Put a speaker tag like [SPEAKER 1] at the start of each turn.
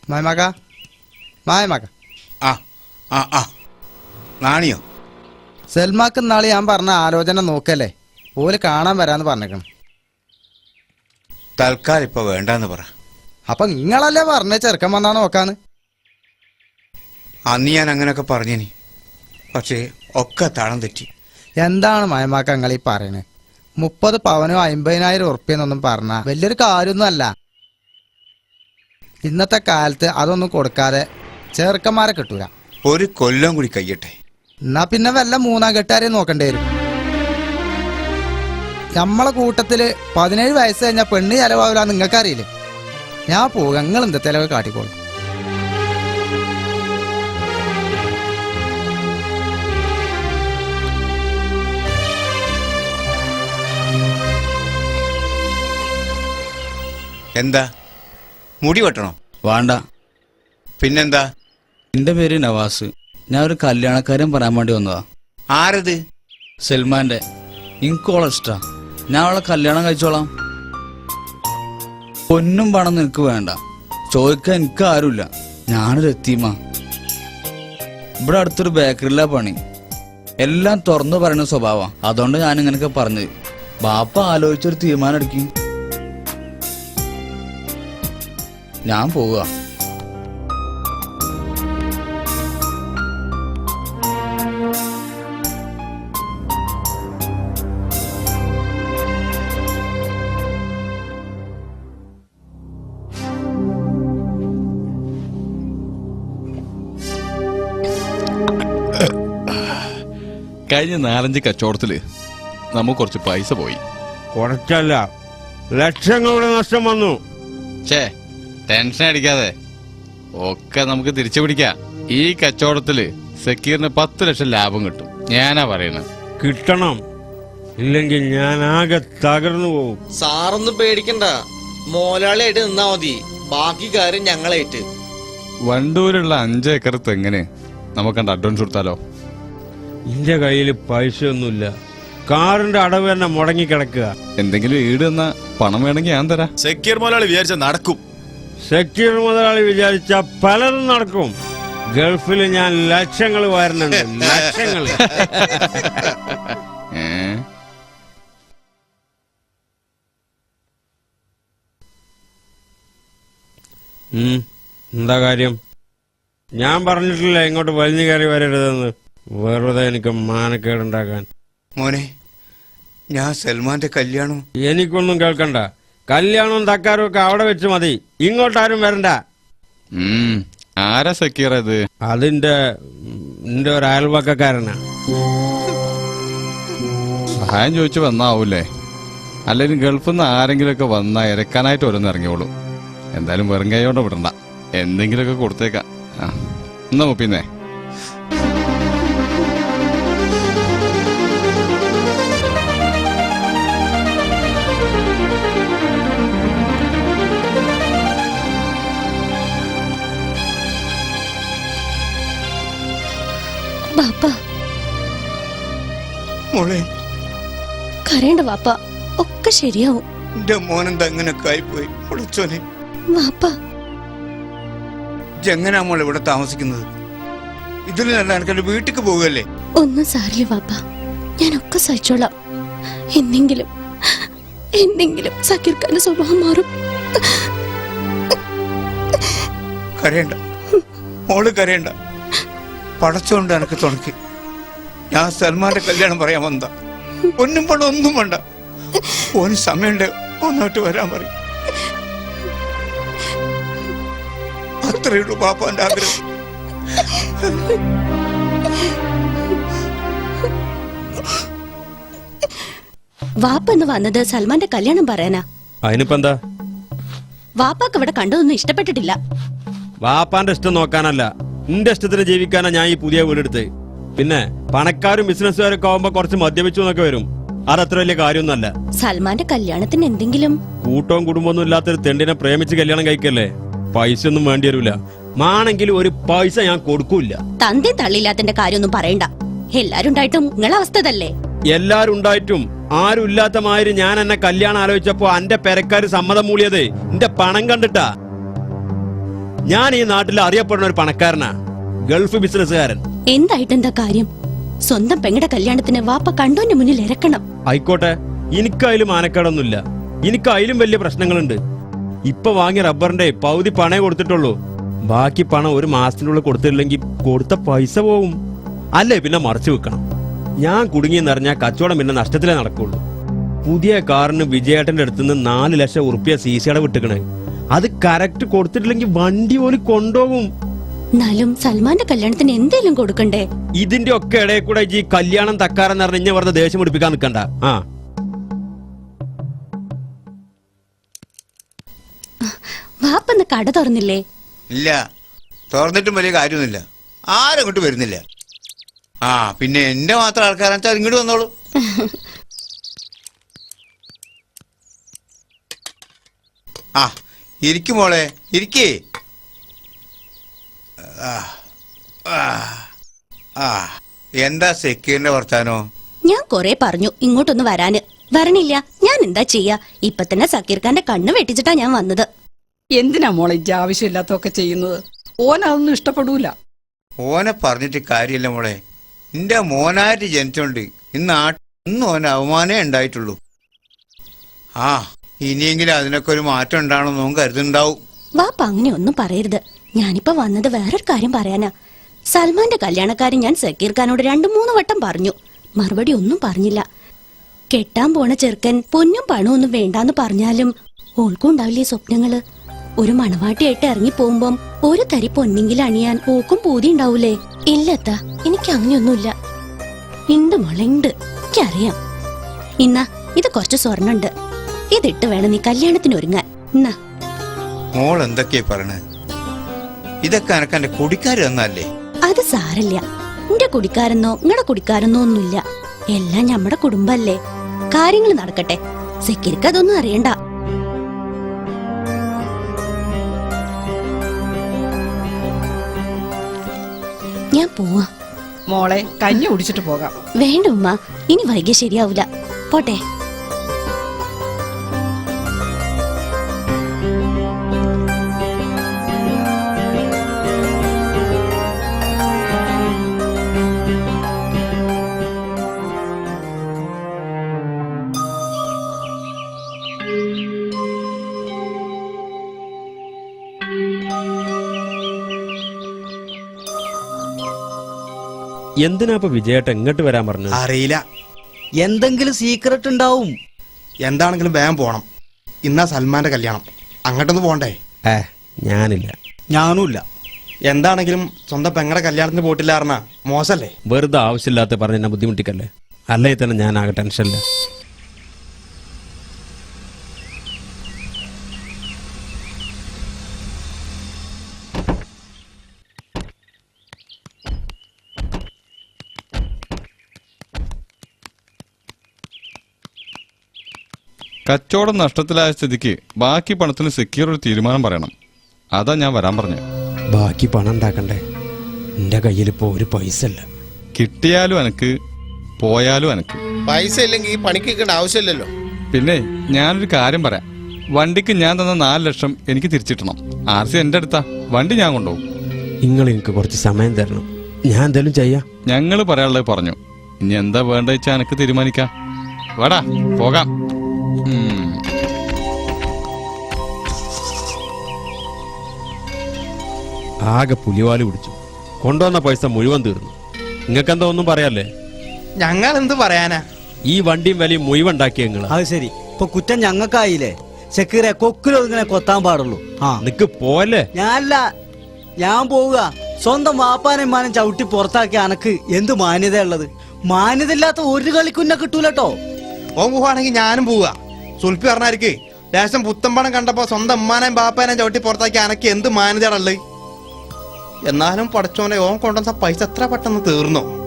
[SPEAKER 1] മായമാക്ക മായമാക്ക
[SPEAKER 2] ആ ആ ആ നാണിയോ?
[SPEAKER 1] സൽമാക്ക് നാളെ ഞാൻ പറഞ്ഞ ആലോചന നോക്കല്ലേ, ഓല് കാണാൻ വരാന്ന് പറഞ്ഞേക്കണം.
[SPEAKER 2] തൽക്കാലം ഇപ്പൊ വേണ്ടെന്ന് പറ.
[SPEAKER 1] അപ്പൊ നിങ്ങളല്ലേ പറഞ്ഞ ചെറുക്കൻ വന്നാ നോക്കാന്ന്?
[SPEAKER 2] അന്ന് ഞാൻ അങ്ങനെയൊക്കെ പറഞ്ഞിനി, പക്ഷേ ഒക്കെ താളം തെറ്റി.
[SPEAKER 1] എന്താണ് മായമാക്ക നിങ്ങൾ ഈ പറയണേ? 30 പവനോ 50,000 ഉറുപ്പ്യെന്നൊന്നും പറഞ്ഞ വലിയൊരു കാര്യമൊന്നും അല്ല. ഇന്നത്തെ കാലത്ത് അതൊന്നും കൊടുക്കാതെ ചെറുക്കന്മാരെ കിട്ടൂല.
[SPEAKER 2] ഒരു കൊല്ലം കൂടി കഴിയട്ടെ,
[SPEAKER 1] എന്നാ പിന്നെ വല്ല 3-ാം കെട്ടുകാരെ നോക്കേണ്ടി വരും. നമ്മളെ കൂട്ടത്തില് 17 വയസ്സ് കഴിഞ്ഞാൽ പെണ്ണ് ചെലവാവില്ല, നിങ്ങൾക്കറിയില്ലേ? ഞാൻ പോകാം, നിങ്ങൾ എന്താ ചെലവ് കാട്ടിക്കോളും.
[SPEAKER 2] എന്താ മുടി വെട്ടണോ?
[SPEAKER 3] വേണ്ട.
[SPEAKER 2] പിന്നെന്താ?
[SPEAKER 3] എന്റെ പേര് നവാസ്. ഞാൻ ഒരു കല്യാണക്കാരൻ പറയാൻ വേണ്ടി വന്നതാ.
[SPEAKER 2] ആരത്?
[SPEAKER 3] സൽമാന്റെ. എനിക്കോളെ ഇഷ്ടാ, ഞാൻ അവളെ കല്യാണം കഴിച്ചോളാം. പൊന്നും പണം നിനക്ക് വേണ്ട, ചോദിക്കാൻ എനിക്ക് ആരുമില്ല. ഞാനൊരു എത്തീമാ. ഇവിടെ അടുത്തൊരു ബേക്കറിയിലാ പണി. എല്ലാം തുറന്നു പറയുന്ന സ്വഭാവം. അതുകൊണ്ട് ഞാൻ ഇങ്ങനെയൊക്കെ പറഞ്ഞത്. ബാപ്പ ആലോചിച്ചൊരു തീരുമാനം എടുക്കും. ഞാൻ പോവുക.
[SPEAKER 4] കഴിഞ്ഞ 4-5 കച്ചവടത്തില് നമുക്ക് കുറച്ച് പൈസ പോയി.
[SPEAKER 5] കുറച്ചല്ല, ലക്ഷങ്ങളുടെ നഷ്ടം വന്നു.
[SPEAKER 4] ടെൻഷൻ അടിക്കാതെ ഒക്കെ നമുക്ക് തിരിച്ചു പിടിക്കാം. ഈ കച്ചവടത്തില് സക്കീറിന് 10 ലക്ഷം ലാഭം കിട്ടും. ഞാനാ പറയണത്.
[SPEAKER 5] കിട്ടണം, ഇല്ലെങ്കിൽ ഞാൻ ആകെ തകർന്നു പോകും.
[SPEAKER 6] സാറൊന്നും പേടിക്കണ്ട, മോലാളിയായിട്ട് നിന്നാ മതി, ബാക്കി കാര്യം ഞങ്ങളായിട്ട്.
[SPEAKER 4] വണ്ടൂരുള്ള 5 ഏക്കർ തെങ്ങിന് നമുക്ക് അഡ്വാൻസ് കൊടുത്താലോ?
[SPEAKER 5] എന്റെ കയ്യിൽ പൈസ ഒന്നുമില്ല. കാറിന്റെ അടവ് തന്നെ മുടങ്ങിക്കിടക്കുക.
[SPEAKER 4] എന്തെങ്കിലും ഈട് തന്നാ പണം വേണമെങ്കിൽ ഞാൻ തരാം.
[SPEAKER 7] സക്കീർ മുതലാളി വിചാരിച്ച നടക്കും.
[SPEAKER 5] സക്കീർ മുതലാളി വിചാരിച്ച പലതും നടക്കും. ഗൾഫിൽ ഞാൻ ലക്ഷങ്ങൾ വരുന്നുണ്ട്, ലക്ഷങ്ങൾ. എന്താ കാര്യം? ഞാൻ പറഞ്ഞിട്ടില്ല ഇങ്ങോട്ട് വലിഞ്ഞു കയറി വരരുതെന്ന്. വെറുതെ എനിക്ക് മാനക്കേടുണ്ടാക്കാൻ.
[SPEAKER 2] മോനെ, ഞാൻ സൽമാന്റെ കല്യാണം.
[SPEAKER 5] എനിക്കൊന്നും കേൾക്കണ്ട. കല്യാണവും തക്കാരും ഒക്കെ അവിടെ വെച്ച് മതി, ഇങ്ങോട്ടാരും വരണ്ട.
[SPEAKER 4] ആരാ സക്കീർ? അത്
[SPEAKER 5] അതിന്റെ ഒരു അയൽവക്കക്കാരനാ.
[SPEAKER 4] സഹായം ചോദിച്ചു വന്നാവൂലേ? അല്ലെങ്കിൽ ഗൾഫിൽ നിന്ന് ആരെങ്കിലും ഒക്കെ വന്നാ ഇരക്കാനായിട്ട് ഓരോന്ന് ഇറങ്ങിയോളൂ. എന്തായാലും വെറും കൈയോടെ വിടണ്ട, എന്തെങ്കിലുമൊക്കെ കൊടുത്തേക്കാം. എന്നാ മുപ്പിന്നേ.
[SPEAKER 8] ബാപ്പ
[SPEAKER 2] മോളെ,
[SPEAKER 8] കരയണ്ട വാപ്പ, ഒക്കെ ശരിയാവും.
[SPEAKER 2] എന്റെ മോനെന്താ ഇങ്ങനൊക്കെ ആയിപ്പോയി? പൊളിച്ചോനെ,
[SPEAKER 8] വാപ്പ
[SPEAKER 2] എങ്ങനെയാ മോളെ ഇവിടെ താമസിക്കുന്നത്? ഇതിൽ നല്ല എനിക്ക് വീട്ടിക്ക് പോകുകയല്ലേ?
[SPEAKER 8] ഒന്നും സാരില്ല വാപ്പ, ഞാനൊക്കെ സഹിച്ചോളാം. എന്തെങ്കിലും സക്കീർ ഖാന്റെ സ്വഭാവം മാറും.
[SPEAKER 2] കരയണ്ട മോള്, കരയണ്ട. പടച്ചോണ്ട് എനിക്ക് തുണക്കി. ഞാൻ സൽമാന്റെ കല്യാണം പറയാൻ വന്നതാ. ഒന്നും പണം ഒന്നും വേണ്ട. ഓന് സമയമുണ്ട്, ഒന്നോട്ട് വരാൻ പറയും. അത്രയുള്ളൂ പാപ്പാന്റെ ആഗ്രഹം.
[SPEAKER 8] വാപ്പ എന്ന് വന്നത് സൽമാന്റെ കല്യാണം പറയാനാ.
[SPEAKER 5] അതിനിപ്പോ എന്താ?
[SPEAKER 8] വാപ്പാക്ക് ഇവിടെ കണ്ടതൊന്നും ഇഷ്ടപ്പെട്ടിട്ടില്ല.
[SPEAKER 5] വാപ്പാന്റെ ഇഷ്ടം നോക്കാനല്ല, എന്റെ ഇഷ്ടത്തിന് ജീവിക്കാനാ ഞാൻ ഈ പുതിയ വീടെടുത്ത്. പിന്നെ പണക്കാരും ബിസിനസ്സുകാരൊക്കെ ആവുമ്പോ കുറച്ച് മദ്യപിച്ചു എന്നൊക്കെ വരും. അതത്ര വലിയ കാര്യമൊന്നുമല്ല.
[SPEAKER 8] സൽമാന്റെ കല്യാണത്തിന് എന്തെങ്കിലും
[SPEAKER 5] കൂട്ടവും കുടുംബമൊന്നും ഇല്ലാത്തൊരു തെണ്ടിനെ പ്രേമിച്ച് കല്യാണം കഴിക്കല്ലേ? പൈസ ഒന്നും വേണ്ടി വരൂല. മാണെങ്കിലും ഒരു പൈസ ഞാൻ കൊടുക്കൂല.
[SPEAKER 8] തന്തി തള്ളിയില്ലാത്തിന്റെ കാര്യമൊന്നും പറയണ്ട. എല്ലാരും ഉണ്ടായിട്ടും നിങ്ങളെ അവസ്ഥ തന്നെ.
[SPEAKER 5] എല്ലാരും ഉണ്ടായിട്ടും ആരും ഇല്ലാത്ത മാതിരി ഞാൻ എന്നെ കല്യാണം ആലോചിച്ചപ്പോ എന്റെ പെരക്കാര് സമ്മതം മൂളിയത് എന്റെ പണം കണ്ടിട്ടാ. ഞാൻ ഈ നാട്ടിൽ അറിയപ്പെടുന്ന ഒരു പണക്കാരനാ, ഗൾഫ് ബിസിനസ്സുകാരൻ.
[SPEAKER 8] എന്തായിട്ടെന്താ കാര്യം? സ്വന്തം പെങ്ങടെ കല്യാണത്തിന് വാപ്പ കണ്ടോന്റെ മുന്നിൽ ഇറക്കണം.
[SPEAKER 5] ആയിക്കോട്ടെ, എനിക്കതിലും ആനക്കേടൊന്നുമില്ല. എനിക്കതിലും വലിയ പ്രശ്നങ്ങളുണ്ട്. ഇപ്പൊ വാങ്ങിയ റബ്ബറിന്റെ പകുതി പണേ കൊടുത്തിട്ടുള്ളൂ. ബാക്കി പണം ഒരു മാസത്തിനുള്ളിൽ കൊടുത്തില്ലെങ്കിൽ കൊടുത്ത പൈസ പോവും. അല്ലേ പിന്നെ മറച്ചു വെക്കണം. ഞാൻ കുടുങ്ങിയെന്നറിഞ്ഞാൽ കച്ചവടം പിന്നെ നഷ്ടത്തിലേ നടക്കുള്ളൂ. പുതിയ കാറിന് വിജയേട്ടന്റെ അടുത്തുനിന്ന് 4 ലക്ഷം ഉറുപ്പ്യ CC വിട്ടിക്കണേ. അത് കറക്റ്റ് കൊടുത്തിട്ടില്ലെങ്കിൽ വണ്ടി പോലും കൊണ്ടുപോകും.
[SPEAKER 8] എന്നാലും സൽമാന്റെ കല്യാണത്തിന് എന്തേലും കൊടുക്കണ്ടേ?
[SPEAKER 5] ഇതിന്റെ ഒക്കെ ഇടയിൽ കൂടെ ഈ കല്യാണം തക്കാരെന്ന് പറഞ്ഞ ഇഞ്ഞ വെറുതെ ദേഷ്യം പിടിപ്പിക്കാൻ നിൽക്കണ്ട.
[SPEAKER 8] വാപ്പന്ന് കട തുറന്നില്ലേ?
[SPEAKER 2] ഇല്ല, തുറന്നിട്ടും വലിയ കാര്യമൊന്നുമില്ല. ആരും അങ്ങോട്ട് വരുന്നില്ല. പിന്നെ എന്റെ മാത്രം ആൾക്കാരാണെന്ന് വെച്ചാൽ ഇങ്ങോട്ട് വന്നോളൂ. ഇരിക്കും മോളെ, ഇരിക്കേ. എന്താ സെക്യൂരിന്റെ വർത്താനോ?
[SPEAKER 8] ഞാൻ കൊറേ പറഞ്ഞു ഇങ്ങോട്ടൊന്ന് വരാന്, വരണില്ല. ഞാൻ എന്താ ചെയ്യാ? ഇപ്പൊ തന്നെ സക്കീർ ഖാന്റെ കണ്ണ് വെട്ടിച്ചിട്ടാ ഞാൻ വന്നത്.
[SPEAKER 7] എന്തിനാ മോളെ ഇജ്ജ് ആവശ്യമില്ലാത്തൊക്കെ ചെയ്യുന്നത്? ഓനതൊന്നും ഇഷ്ടപ്പെടൂല.
[SPEAKER 2] ഓനെ പറഞ്ഞിട്ട് കാര്യമില്ല മോളെ. എന്റെ മോനായിട്ട് ജനിച്ചോണ്ട് ഇന്ന് ഓന് അവമാനേ ഉണ്ടായിട്ടുള്ളൂ. ഇനിയെങ്കിലും അതിനൊക്കെ ഒരു മാറ്റം ഉണ്ടാവണമെന്നും കരുതുന്നുണ്ടാവും.
[SPEAKER 8] വാപ്പ അങ്ങനെ ഒന്നും പറയരുത്. ഞാനിപ്പോ വന്നത് വേറൊരു കാര്യം പറയാനാ. സൽമാന്റെ കല്യാണക്കാരൻ ഞാൻ സക്കീർ ഖാനോട് 2-3 വട്ടം പറഞ്ഞു. മറുപടി ഒന്നും പറഞ്ഞില്ല. കെട്ടാൻ പോണ ചെറുക്കൻ പൊന്നും പണവും ഒന്നും വേണ്ടാന്ന് പറഞ്ഞാലും ഓൾക്കും ഉണ്ടാവില്ലേ സ്വപ്നങ്ങള്? ഒരു മണവാട്ടിയായിട്ട് ഇറങ്ങി പോകുമ്പം ഒരു തരി പൊന്നെങ്കിലും അണിയാൻ ഓക്കും പൂതി ഉണ്ടാവൂലേ? ഇല്ലത്താ, എനിക്ക് അങ്ങനെയൊന്നുമില്ല. ഉണ്ട് മോളെ, ഉണ്ട്. എനിക്കറിയാം. ഇന്നാ ഇത് കുറച്ച് സ്വർണ്ണുണ്ട്. ഇതിട്ട് വേണം നീ കല്യാണത്തിന് ഒരുങ്ങാൻ. എന്നാ
[SPEAKER 2] മോൾ എന്തൊക്കെയാ പറയണേ? ഇതൊക്കെ എനക്ക് എന്റെ കുടിക്കാര് തന്നല്ലേ?
[SPEAKER 8] അത് സാരല്ല. എന്റെ കുടിക്കാരെന്നോ നിങ്ങളുടെ കുടിക്കാരെന്നോ ഒന്നുമില്ല. എല്ലാം നമ്മുടെ കുടുംബല്ലേ. കാര്യങ്ങൾ നടക്കട്ടെ. സെക്യൂരിക്ക് അതൊന്നും അറിയണ്ട. ഞാൻ പോവാ.
[SPEAKER 7] മോളെ കഞ്ഞി കുടിച്ചിട്ട് പോകാം.
[SPEAKER 8] വേണ്ട ഉമ്മ, ഇനി വൈകിയ ശരിയാവൂല. പോട്ടെ.
[SPEAKER 5] എന്തിനാ ഇപ്പൊ വിജയേട്ട എങ്ങോട്ട് വരാൻ പറഞ്ഞു?
[SPEAKER 9] അറിയില്ല.
[SPEAKER 6] എന്തെങ്കിലും സീക്രട്ട് ഉണ്ടാവും.
[SPEAKER 9] എന്താണെങ്കിലും വേഗം പോണം. ഇന്നാ സൽമാന്റെ കല്യാണം. അങ്ങോട്ടൊന്ന് പോണ്ടേ?
[SPEAKER 5] ഞാനില്ല.
[SPEAKER 6] ഞാനുമില്ല.
[SPEAKER 9] എന്താണെങ്കിലും സ്വന്തം പെങ്ങടെ കല്യാണത്തിന് പോയിട്ടില്ല പറഞ്ഞാ മോശല്ലേ?
[SPEAKER 5] വെറുതെ ആവശ്യമില്ലാത്ത പറഞ്ഞ എന്നെ ബുദ്ധിമുട്ടിക്കല്ലേ. അല്ലെങ്കിൽ തന്നെ ഞാൻ ആകെ ടെൻഷനില്ല.
[SPEAKER 4] കച്ചവടം നഷ്ടത്തിലായ സ്ഥിതിക്ക് ബാക്കി പണത്തിന് സെക്യൂർ ഒരു തീരുമാനം പറയണം. അതാ ഞാൻ വരാൻ പറഞ്ഞു.
[SPEAKER 5] ബാക്കി പണം ഉണ്ടാക്കണ്ടേ? എന്റെ കയ്യിലിപ്പോ ഒരു പൈസ ഇല്ല.
[SPEAKER 4] കിട്ടിയാലും എനക്ക്, പോയാലും എനക്ക്.
[SPEAKER 10] പൈസ ഇല്ലെങ്കിൽ ഈ പണിക്കേണ്ട ആവശ്യമില്ലല്ലോ.
[SPEAKER 4] പിന്നെ ഞാനൊരു കാര്യം പറയാം. വണ്ടിക്ക് ഞാൻ തന്ന 4 ലക്ഷം എനിക്ക് തിരിച്ചിട്ടണം. RC എന്റെ അടുത്താ. വണ്ടി ഞാൻ കൊണ്ടുപോകും.
[SPEAKER 5] നിങ്ങൾ എനിക്ക് കുറച്ച് സമയം തരണം. ഞാൻ എന്തായാലും ചെയ്യാം.
[SPEAKER 4] ഞങ്ങള് പറയാനുള്ളത് പറഞ്ഞു. ഇനി എന്താ വേണ്ട വെച്ചാ എനക്ക് തീരുമാനിക്കാം. വേടാ പോകാം.
[SPEAKER 5] ആകെ പുലിവാല് പിടിച്ചു. കൊണ്ടുവന്ന പൈസ മുഴുവൻ തീർന്നു. നിങ്ങൾക്കെന്താ ഒന്നും പറയാല്ലേ?
[SPEAKER 9] ഞങ്ങൾ എന്ത് പറയാനാ?
[SPEAKER 5] ഈ വണ്ടിയും വലിയും മുഴുവൻ ഉണ്ടാക്കിയ നിങ്ങള്.
[SPEAKER 6] അത് ശരി, ഇപ്പൊ കുറ്റം ഞങ്ങൾക്കായില്ലേ? സെക്യൂരെ കൊക്കിലോ ഇങ്ങനെ കൊത്താൻ പാടുള്ളൂ.
[SPEAKER 5] നിക്ക് പോലെ.
[SPEAKER 6] ഞാനല്ല, ഞാൻ പോവുക. സ്വന്തം വാപ്പാനും മാനും ചവിട്ടി പുറത്താക്കിയ അനക്ക് എന്ത് മാന്യത ഉള്ളത്? മാന്യത ഇല്ലാത്ത ഒരു കളിക്കുന്ന കിട്ടൂലട്ടോ.
[SPEAKER 9] ഓൻ പോവാണെങ്കിൽ ഞാനും പോവുക. സുൽപ്പി പറഞ്ഞായിരിക്കേ ലേശം പുത്തമ്പണം കണ്ടപ്പോ സ്വന്തം ഉമ്മാനേം ബാപ്പാനേം ചവിട്ടി പുറത്താക്കി അനക്ക് എന്ത് മാനേജാണുള്ളത്? എന്നാലും പഠിച്ചോനെ ഓൻ കൊണ്ടുവന്ന പൈസ എത്ര പെട്ടെന്ന് തീർന്നോ?